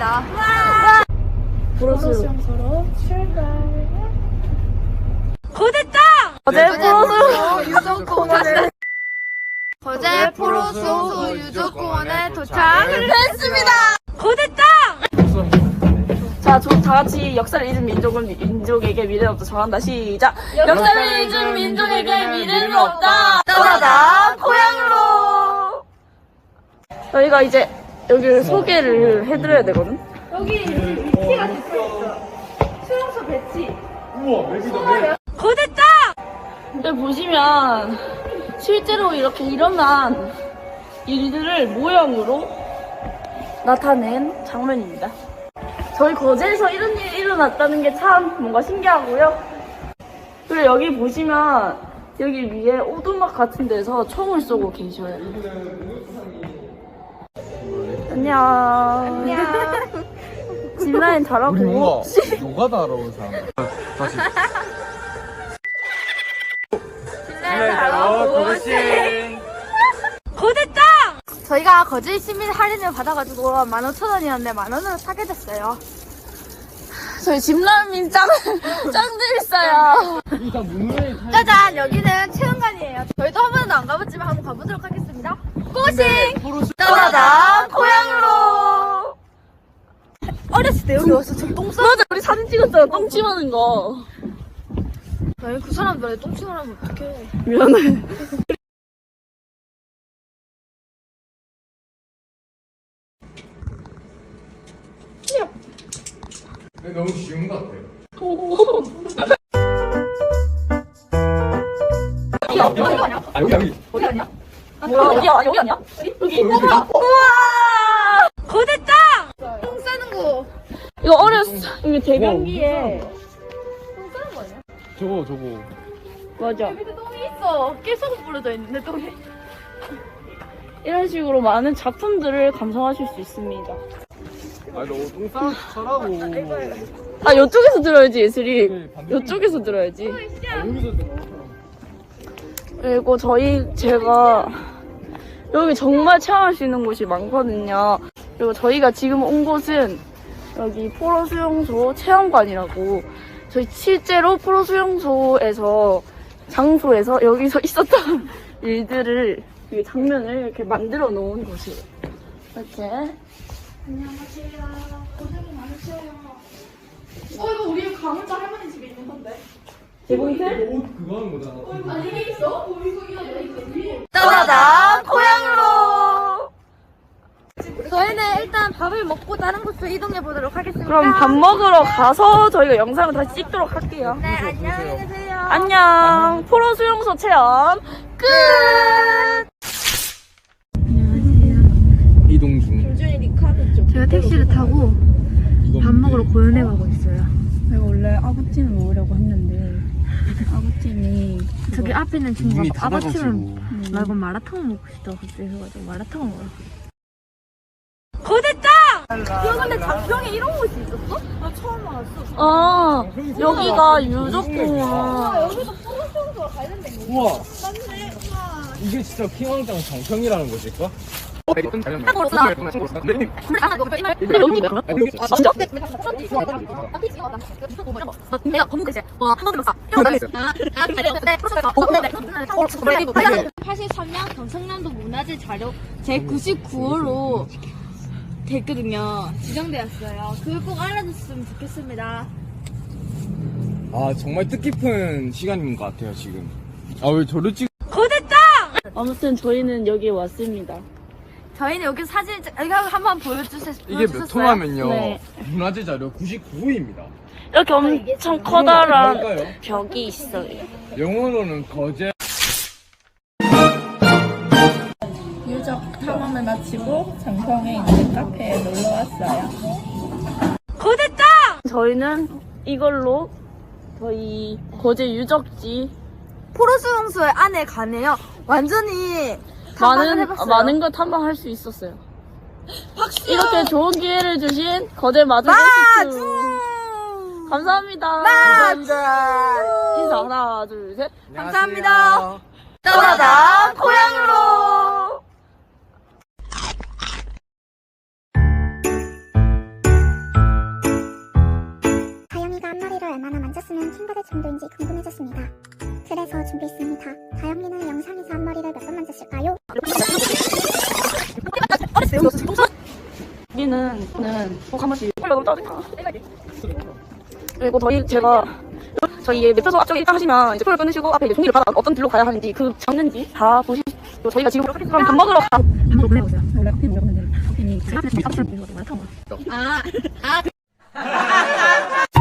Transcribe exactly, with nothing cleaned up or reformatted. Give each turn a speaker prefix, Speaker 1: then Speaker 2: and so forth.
Speaker 1: 있습니다.
Speaker 2: 프로수
Speaker 3: 수용소로 출발.
Speaker 2: 거됐다! 거제 프로수
Speaker 1: 유적공원에 거제 포로수용소 유적공원에 도착을 했습니다.
Speaker 2: 거됐다! 자, 저 다같이 역사를 잊은 민족은 민족에게 미래는 없다. 정한다. 시작! 역사를 잊은 민족에게 미래는 없다. 떠나다 고향으로. 저희가 이제 여기를 소개를 해드려야 되거든.
Speaker 3: 여기 위치가 적혀있어. 수용소 배치.
Speaker 2: 거됐다! 여기 보시면 실제로 이렇게 일어난 일들을 모형으로 나타낸 장면입니다. 저희 거제에서 이런 일이 일어났다는 게 참 뭔가 신기하고요. 그리고 여기 보시면 여기 위에 오두막 같은 데서 총을 쏘고 계셔요. 안녕. 안녕. 진라인 잘하고.
Speaker 4: 우리 뭔가 노가다 알아온 사람. 다시.
Speaker 1: 진라인 잘하고.
Speaker 2: 거됐다!
Speaker 1: 저희가 거제 시민 할인을 받아가지고 만 오천 원이었는데 만 원으로 사게 됐어요.
Speaker 2: 저희 집라민 짱, 짱들 있어요.
Speaker 1: 짜잔! 여기는 체험관이에요. 저희도 한 번도 안 가봤지만 한번 가보도록 하겠습니다. 고싱! 떠나다 고향으로! 어렸을 때 여기 와서 저 똥 싸.
Speaker 2: 맞아, 우리 사진 찍었잖아. 똥침 하는 거.
Speaker 1: 아니 그 사람들한테 똥침을 하면 어떡해.
Speaker 2: 미안해.
Speaker 4: 너무 쉬운 것 같아요. 아 여기 여기.
Speaker 2: 어디 아니야? 뭐야, 어디야? 여기 아니야? 여기. 우와! 거됐다!
Speaker 1: 똥 싸는 거.
Speaker 2: 이거 어렸어. 이거 대변기에.
Speaker 1: 똥 싸는 거 아니야?
Speaker 4: 저거 저거.
Speaker 2: 맞아.
Speaker 1: 밑에 똥이 있어. 깨소금 뿌려져 있는데 똥이.
Speaker 2: 이런 식으로 많은 작품들을 감상하실 수 있습니다.
Speaker 4: 아 너똥 싸 싸라고.
Speaker 2: 아, 이쪽에서 들어야지, 예슬이. 이쪽에서 들어야지.
Speaker 4: 여기서
Speaker 2: 그리고 저희, 제가, 여기 정말 체험할 수 있는 곳이 많거든요. 그리고 저희가 지금 온 곳은 여기 포로수용소 체험관이라고, 저희 실제로 포로수용소에서, 장소에서 여기서 있었던 일들을, 이 장면을 이렇게 만들어 놓은 곳이에요. 이렇게.
Speaker 3: 안녕하세요. 고생이 많으셔요. 어 이거 우리 가물자 할머니 집에 있는 건데.
Speaker 2: 재봉틀?
Speaker 4: 옷 그거 하는 거잖아.
Speaker 3: 아 이게 있어? 어 이거 이거 이거 위에.
Speaker 2: 떠나다 고향으로.
Speaker 1: 저희는 일단 밥을 먹고 다른 곳으로 이동해 보도록 하겠습니다.
Speaker 2: 그럼 밥 먹으러 가서 저희가 영상을 다시 찍도록 할게요.
Speaker 1: 네, 안녕히 계세요.
Speaker 2: 안녕. 포로 수용소 체험 끝.
Speaker 4: 이동 중.
Speaker 1: 제가 택시를 타고 밥 먹으러 고현에 가고 있어요.
Speaker 2: 제가 원래 아구찜을 먹으려고 했는데 아구찜이
Speaker 1: 저기 앞에 있는 친구가
Speaker 4: 눈이
Speaker 1: 아바찜을
Speaker 4: 닫아가지고.
Speaker 1: 말고 마라탕을 먹고 싶다고 그때 해가지고 마라탕을 먹으러.
Speaker 2: 거됐다.
Speaker 1: 이거 근데 장평에 이런 곳이 있었어? 나 처음 알았어.
Speaker 2: 아, 여기가 유적공원.
Speaker 1: 여기서 포로수용소가 관련된 거.
Speaker 4: 우와.
Speaker 1: 맞네. 우와.
Speaker 4: 이게 진짜 킹왕짱 정평이라는 곳일까?
Speaker 1: 내가 검은색 이제 와한 번도 못
Speaker 5: 팔십삼 년 경상남도 문화재 자료 제구십구 호로 됐거든요. 지정되었어요. 그걸 꼭 알아줬으면 좋겠습니다.
Speaker 4: 아 정말 뜻깊은 시간인 것 같아요 지금. 아 왜 저를 찍?
Speaker 2: 거됐다. 아무튼 저희는 여기에 왔습니다.
Speaker 1: 저희는 여기 사진 여기 한번 보여주세요.
Speaker 4: 이게 몇 호냐면요.
Speaker 2: 네.
Speaker 4: 문화재 자료 구십구 호입니다.
Speaker 2: 이렇게 엄청 커다란
Speaker 4: 뭘까요?
Speaker 2: 벽이 있어요.
Speaker 4: 영어로는 거제.
Speaker 3: 유적 탐험을 마치고 장평에 있는 카페에 놀러 왔어요.
Speaker 2: 거됐다. 저희는 이걸로 저희 거제 유적지
Speaker 1: 포로수용소 안에 가네요. 완전히 탐방을
Speaker 2: 많은
Speaker 1: 해봤어요.
Speaker 2: 많은 걸 탐방할 수 있었어요. 박수! 이렇게 좋은 기회를 주신 거제 마주
Speaker 1: 마주!
Speaker 2: 게스트 감사합니다.
Speaker 1: 마주!
Speaker 2: 인사 하나 둘 셋.
Speaker 1: 감사합니다. 떠나다 고향으로.
Speaker 6: 만졌으면 킹받을 정도인지 궁금해졌습니다. 그래서 준비했습니다. 다영이는 영상에서 앞머리를 몇 번 만졌을까요?
Speaker 2: 여기는 저는 꼭 한 번씩 콜라 너무 짜증나. 그리고 저희 제가 저희 매표소 앞쪽에 입장하시면 이제 표를 끊으시고 앞에 이제 종이를 받아 어떤 길로 가야 하는지 그 잡는지 다 보시고 저희가 지금 그럼 밥 먹으러 가.
Speaker 5: 아, 아.